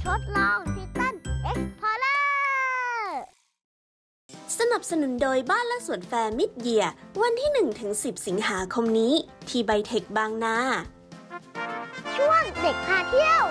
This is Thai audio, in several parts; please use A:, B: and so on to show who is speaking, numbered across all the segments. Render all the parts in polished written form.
A: ทดลองทิตันเอ็กพอร์เลอร์
B: สนับสนุนโดยบ้านและสวนแฟร์มิดเยียร์วันที่ 1-10 สิงหาคมนี้ที่ไบเทคบางนา
A: ช่วงเด็กพาเที่ยว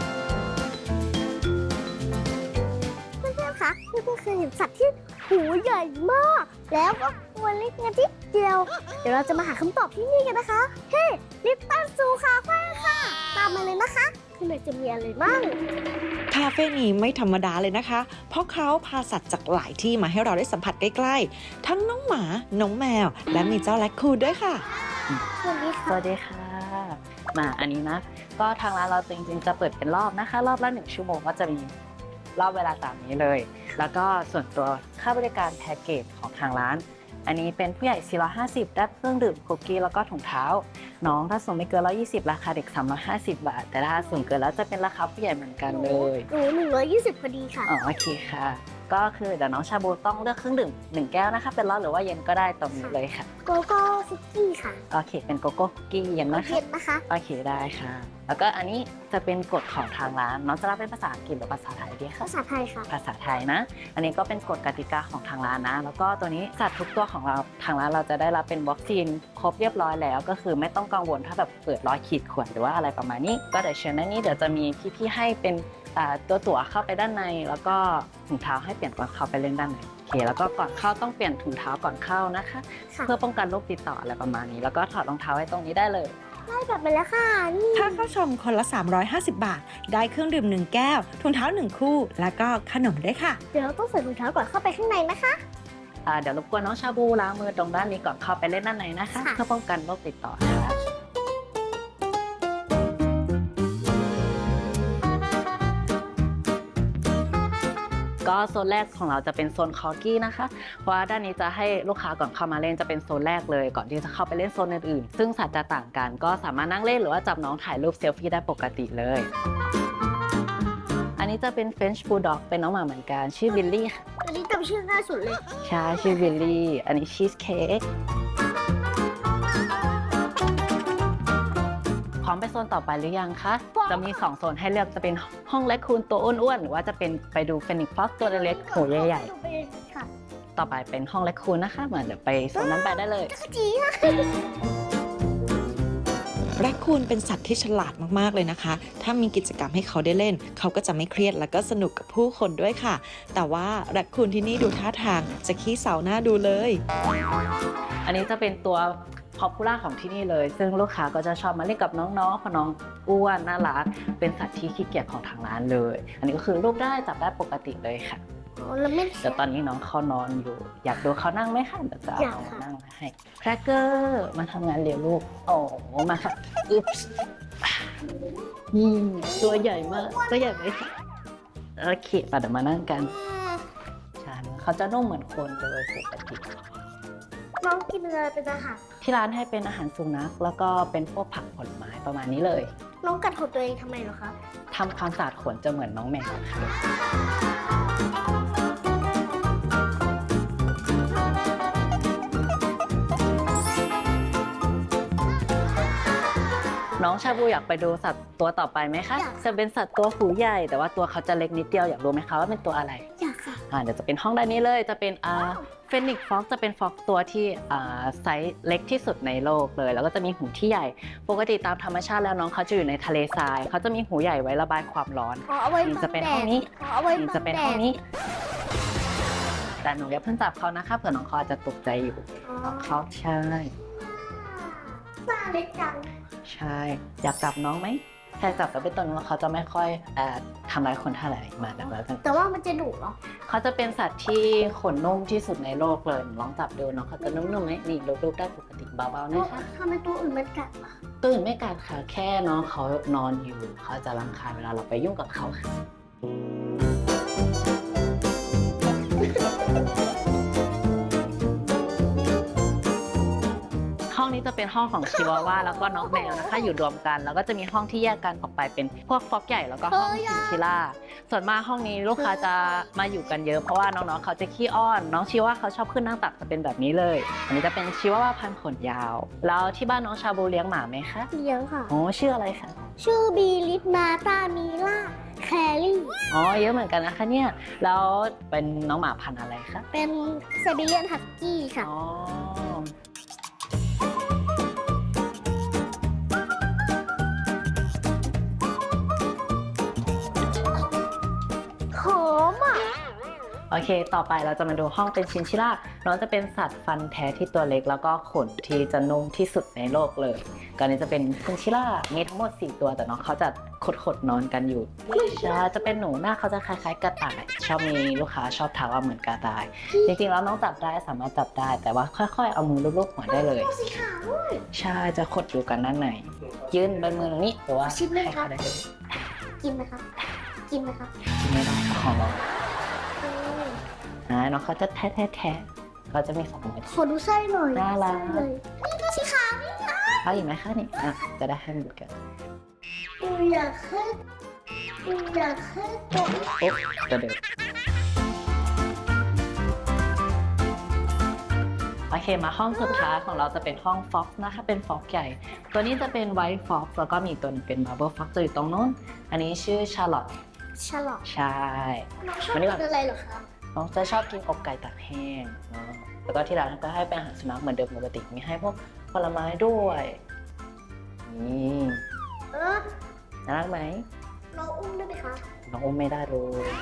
A: เพื่อนๆคะเพื่อนๆเคยเห็นสัตว์ที่หูใหญ่มากแล้วก็ตัวเล็กนิดเดียวเดี๋ยวเราจะมาหาคำตอบที่นี่กันนะคะเฮ้ลิปตันซูคาเฟ่ค่ะตามมาเลยนะคะข้างในจะมีอะไรบ้าง
C: คาเฟ่นี้ไม่ธรรมดาเลยนะคะเพราะเขาพาสัตว์จากหลายที่มาให้เราได้สัมผัสใกล้ๆทั้งน้องหมาน้องแมวและมีเจ้าแรคคูนด้วยค่ะ
A: สวัสดีค่ะ
D: สวัสดีค่ะมาอันนี้นะก็ทางร้านเราจริงๆจะเปิดเป็นรอบนะคะรอบละ1 ชั่วโมงก็จะมีรอบเวลาตามนี้เลยแล้วก็ส่วนตัวค่าบริการแพ็กเกจของทางร้านอันนี้เป็นผู้ใหญ่450ได้เครื่องดื่มคุกกี้แล้วก็ถุงเท้าน้องถ้าสูงไม่เกิน120ราคาเด็ก350 บาทแต่ถ้าสูงเกินแล้วจะเป็นราคาผู้ใหญ่เหมือนกันเลย
A: หนู120พอดีค่ะ
D: อ๋อโอเคค่ะก็คือเดี๋ยวน้องชาบูต้องเลือกเครื่องดื่ม1 แก้วนะคะเป็นร้อนหรือว่าเย็นก็ได้ตรงนี้เลยค่ะ
A: โกโก้คุกกี้ค่ะ
D: โอเคเป็นโกโก้คุกกี้เย็นนะคะ
A: เย็นนะคะ
D: โอเคได้ค่ะแล้วก็อันนี้จะเป็นกฎของทางร้านน้องจะรับเป็นภาษาอังกฤษหรือภาษาไทยดีคะ
A: ภาษาไทยค่ะ
D: ภาษาไทยนะอันนี้ก็เป็นกฎกติกาของทางร้านนะแล้วก็ตัวนี้สัตว์ทุกตัวของเราทางร้านเราจะได้รับเป็นวัคซีนครบเรียบร้อยแล้วก็คือไม่ต้องกังวลถ้าแบบเปิดรอยขีดข่วนหรือว่าอะไรประมาณนี้ก็เดี๋ยวเชิญด้านนี้เดี๋ยวจะมีพี่ๆให้เป็นตัวตั๋วเข้าไปด้านในแล้วก็ถุงเท้าให้เปลี่ยนก่อนเข้าไปเล่นด้านในโอเคแล้วก็ก่อนเข้าต้องเปลี่ยนถุงเท้าก่อนเข้านะคะเพื่อป้องกันโรคติดต่ออะไรประมาณนี้แล้วก็ถอดรองเท้าไว้ตรงนี้ได้เลย
A: ได้แบบไปแล้วค่ะนี่
C: ถ้าเข้าชมคนละ350 บาทได้เครื่องดื่ม1 แก้วถุงเท้า1 คู่แล้วก็ขนมด้วยค่ะ
A: เดี๋ยวเราต้องใส่ถุงเท้าก่อนเข้าไปข้างในนะคะ
D: เดี๋ยวรบกวนน้องชาบูล้างมือตรงด้านนี้ก่อนเข้าไปเล่นด้านในนะคะเพื่อป้องกันโรคติดต่อค่ะก็โซนแรกของเราจะเป็นโซนคอกี้นะคะเพราะว่าด้านนี้จะให้ลูกค้าก่อนเข้ามาเล่นจะเป็นโซนแรกเลยก่อนที่จะเข้าไปเล่นโซนอื่นๆซึ่งสัตว์จะต่างกันก็สามารถนั่งเล่นหรือว่าจับน้องถ่ายรูปเซลฟี่ได้ปกติเลยอันนี้จะเป็น French Bulldog เป็นน้องหมาเหมือนกันชื่อบิลลี่ค่ะ
A: อันนี้จำชื่อง่ายสุดเลย
D: ใช่ชื่อบิลลี่อันนี้ชีสเค้กพร้อมไปโซนต่อไปหรือยังคะจะมี2 โซนให้เลือกจะเป็นห้องแรคคูนตัวอ้วนๆหรือว่าจะเป็นไปดูฟีนิกซ์ฟ็อกซ์ตัวเล็กๆหูใหญ่ๆต่อไปเป็นห้องแรคคูนนะคะเหมือนเดี๋ยวไปโซนนั้นไปได้เลย
C: แรคคูนเป็นสัตว์ที่ฉลาดมากๆเลยนะคะถ้ามีกิจกรรมให้เขาได้เล่นเขาก็จะไม่เครียดแล้วก็สนุกกับผู้คนด้วยค่ะแต่ว่าแรคคูนที่นี่ดูท่าทางจะขี้เศร้าหน้าดูเลย
D: อันนี้จะเป็นตัวพอปูล่าของที่นี่เลยซึ่งลูกค้าก็จะชอบมาเล่นกับน้องๆเพราะน้องอ้วนน่ารักเป็นสัตว์ที่ขี้เกียจของทางร้านเลยอันนี้ก็คือรูปได้จับได้ปกติเลยค่ะแต่ตอนนี้น้องเขานอนอยู่อยากดูเขานั่งไหมคะเดี๋ยวจะเอามานั่งให้แครกเกอร์มาทำงานเลี้ยงลูกโอ้มาค่ะอึ๊บตัวใหญ่มากตัวใหญ่ไหมคะโอเคป่ะเดี๋ยวมานั่งกันใช่เขาจะนุ่มเหมือนคนเลยปกติ
A: น้องกินอะไรเป็นอาหาร
D: ที่ร้านให้เป็นอาหารสุนัขแล้วก็เป็นพวกผักผลไม้ประมาณนี้เลย
A: น้องกัดขนตัวเองทำไมเหรอคะ
D: ทำความสะอาดขนจะเหมือนน้องแมวค่ะน้องชาบูอยากไปดูสัตว์ตัวต่อไปไหมคะจะเป็นสัตว์ตัวหูใหญ่แต่ว่าตัวเขาจะเล็กนิดเดียวอยากรู้ไหมคะว่าเป็นตัวอะไร
A: อยากค่ะ
D: เดี๋ยวจะเป็นห้องด้านนี้เลยจะเป็นเฟนิกซ์ฟ็อกซ์จะเป็นฟ็อกซ์ตัวที่ไซส์เล็กที่สุดในโลกเลยแล้วก็จะมีหูที่ใหญ่ปกติตามธรรมชาติแล้วน้องเขาจะอยู่ในทะเลทรายเขาจะมีหูใหญ่ไว้ระบายความร้อนนี่จะเป็นห้องนี้นี่จะเป็นห้องนี้แต่หนูอย่าเพิ่งจับเขานะคะเผื่อน้องเขาอาจจะตกใจอยู่เขาใช่
A: ตาเล็กจัง
D: ใช่อยากจับน้องไหมแค่จับแล้วเป็นตัวนู้นเขาจะไม่ค่อยทำร้ายคนเท่าไหร่มาแบบนั้น
A: แต่ว่ามันจะดุเหรอ
D: เขาจะเป็นสัตว์ที่ขนนุ่มที่สุดในโลกเลยลองจับดูน้องเขาจะนุ่มๆไหมนี่ลูบๆได้ปกติเบาๆนะคะ
A: ทำไมตัวอื่นไม่กัดล่ะ
D: ตัวอื่นไม่กัดค่ะแค่น้องเขานอนอยู่เขาจะรำคาญเวลาเราไปยุ่งกับเขาค่ะห้องนี้จะเป็นห้องของชิวาว่าแล้วก็น้องแมวนะคะอยู่รวมกันแล้วก็จะมีห้องที่แยกกันออกไปเป็นพวกฟอกใหญ่แล้วก็ห้องชินชิล่าส่วนมากห้องนี้ลูกค้าจะมาอยู่กันเยอะเพราะว่าน้องๆเขาจะขี้อ้อนน้องชิวาเขาชอบขึ้นนั่งตักจะเป็นแบบนี้เลยอันนี้จะเป็นชิวาพันธุ์ขนยาวแล้วที่บ้านน้องชาบูเลี้ยงหมาไหมคะ
A: เลี้ยงค่ะ
D: โอ้ชื่ออะไรคะ
A: ชื่อบีลิสมาตามีล่าคแครี่
D: อ๋อเยอะเหมือนกันนะคะเนี่ยแล้วเป็นน้องหมาพันธุ์อะไรคะ
A: เป็นไซบีเรียนฮัสกี้ค่ะ
D: อ๋อ
A: หอมอ่ะ
D: โอเค ต่อไปเราจะมาดูห้องเป็นชินชิล่าน้องจะเป็นสัตว์ฟันแท้ที่ตัวเล็กแล้วก็ขนที่จะนุ่มที่สุดในโลกเลยก่อนนี้จะเป็นชินชิล่ามีทั้งหมด4ตัวแต่น้องเขาจะขดนอนกันอยู่ใช่จะเป็นหนูหน้าเขาจะคล้ายๆกระต่ายชอบมีลูกค้าชอบถามว่าเหมือนกระต่ายจริงๆแล้วน้องจับได้สามารถจับได้แต่ว่าค่อยๆเอามือลูบๆหัวได้เลย
A: สีขาวด้วย
D: ใช่จะขดอยู่กันด้านในยื่นเป็นมือตรงนี้หรือว่า
A: ชิมเลยครับ
D: ให้ขาได้เลย
A: กินไหมครับ กินไหมครับ
D: ไม่ได้ของเรา
A: อืม
D: น้องเขาจะแทะเขาจะมี2 มือ
A: ขอดูไส้หน่อย
D: น่ารัก
A: ไส้เลยนี่ก็สีขาวนี่นะ
D: เอาอีกไหมคะนี่จะได้ให้หมดกัน
A: อยากให้ตัว
D: โอ๊ะตัวเดิมโอเคมาห้องสุดท้ายของเราจะเป็นห้องฟ็อกซ์นะคะเป็นฟ็อกใหญ่ ตัวนี้จะเป็นไวท์ฟ็อกซ์แล้วก็มีตัวนึงเป็นมาร์เบิลฟ็อกซ์อยู่ตรงโน้นอันนี้ชื่อชาร์ลอต
A: ฉลอด
D: ใช่
A: น้องชอบ
D: มานี่
A: กิ
D: ก่อน
A: นอะไรเหรอคะ
D: น้องจะชอบกินอกไก่ตากแห้งเนอะแล้วก็ที่ร้านก็ให้เป็นอาหารสุนัขเหมือนเดิมปกติมีให้พวกผลไม้ด้วยนี่
A: เออ
D: น่ารักไหม
A: น้องอุ้มได้ไหมคะ
D: น้องอุ้มไม่ได้เลย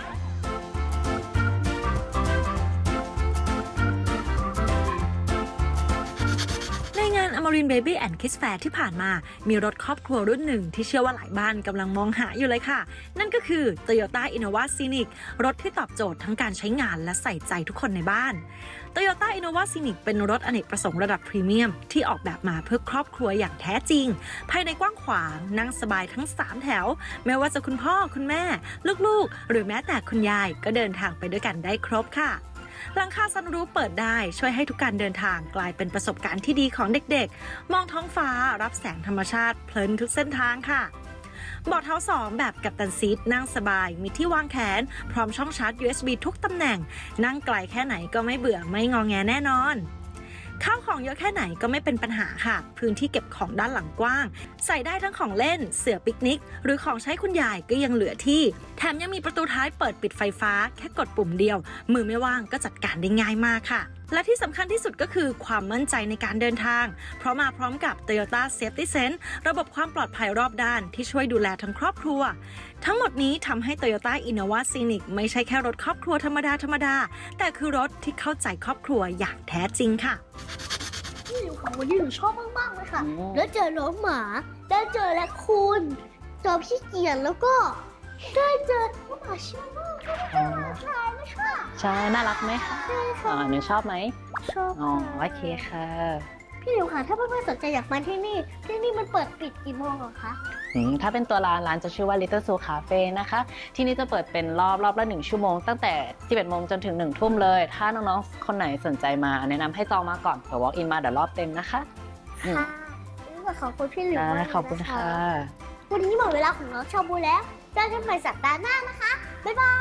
C: ในงาน Amarin Baby and Kids Fair ที่ผ่านมา มีรถครอบครัวรุ่นหนึ่งที่เชื่อว่าหลายบ้านกำลังมองหาอยู่เลยค่ะ นั่นก็คือ Toyota Innova Scenic รถที่ตอบโจทย์ทั้งการใช้งานและใส่ใจทุกคนในบ้าน Toyota Innova Scenic เป็นรถอเนกประสงค์ระดับพรีเมียมที่ออกแบบมาเพื่อครอบครัวอย่างแท้จริง ภายในกว้างขวางนั่งสบายทั้ง 3 แถว ไม่ว่าจะคุณพ่อคุณแม่ ลูกๆ หรือแม้แต่คุณยายก็เดินทางไปด้วยกันได้ครบค่ะ หลังคาซันรูฟเปิดได้ช่วยให้ทุกการเดินทางกลายเป็นประสบการณ์ที่ดีของเด็กๆ มองท้องฟ้ารับแสงธรรมชาติเพลินทุกเส้นทางค่ะเบาะเท้า2แบบกัปตันซีทนั่งสบายมีที่วางแขนพร้อมช่องชาร์จ USB ทุกตำแหน่ง นั่งไกลแค่ไหนก็ไม่เบื่อไม่งอแงแน่นอนข้าวของเยอะแค่ไหนก็ไม่เป็นปัญหาค่ะพื้นที่เก็บของด้านหลังกว้างใส่ได้ทั้งของเล่นเสื่อปิกนิกหรือของใช้คุณยายก็ยังเหลือที่แถมยังมีประตูท้ายเปิดปิดไฟฟ้าแค่กดปุ่มเดียวมือไม่ว่างก็จัดการได้ง่ายมากค่ะและที่สำคัญที่สุดก็คือความมั่นใจในการเดินทางเพราะมาพร้อมกับ Toyota Safety Sense ระบบความปลอดภัยรอบด้านที่ช่วยดูแลทั้งครอบครัวทั้งหมดนี้ทำให้ Toyota Innova Scenic ไม่ใช่แค่รถครอบครัวธรรมดาแต่คือรถที่เข้าใจครอบครัวอย่างแท้จริงค่ะ
A: ที่หนูของวันนี้หนูชอบมากๆเลยค่ะ
D: อืม
A: แล้วเจอน้องหมา ได้เจอแรคคูนเจอพี่เกียรแล้วก็ได้เจอน้องหมาชิวมากก็ได้เจอหมาชายด้วยค่ะ
D: ใช่น่ารักไหมคะ
A: ใช่ค่ะ
D: หนูชอบไหม
A: ชอบ
D: อ๋อ
A: ค่ะ
D: โอเคค่ะ
A: พี่หลิวค่ะถ้าเพื่อนๆสนใจอยากมาที่นี่มันเปิดปิดกี่โมงเหรอคะ
D: ถ้าเป็นตัวร้านจะชื่อว่า Little Zoo Cafe นะคะ ที่นี่จะเปิดเป็นรอบละ1 ชั่วโมงตั้งแต่ 11 โมงจนถึง 1 ทุ่มเลย ถ้าน้องๆ คนไหนสนใจมาแนะนำให้จองมาก่อนเผื่อ walk in มาเดี๋ยวรอบเต็มนะคะ
A: ค่ะวันนี้ก็ขอบคุณพี่หลิวมากเลยนะะ
D: ขอบคุณค่ะ
A: วันนี้หมดเวลาของน้องชาบูแล้วเจอกันใหม่สัปดาห์หน้านะคะ บ๊ายบาย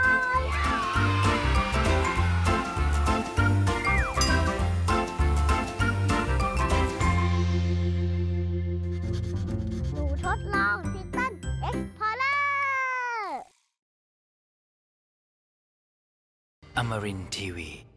A: หนูทดลองทิตันเอ็กพอร์เลอร์
E: Amarin Tiwi.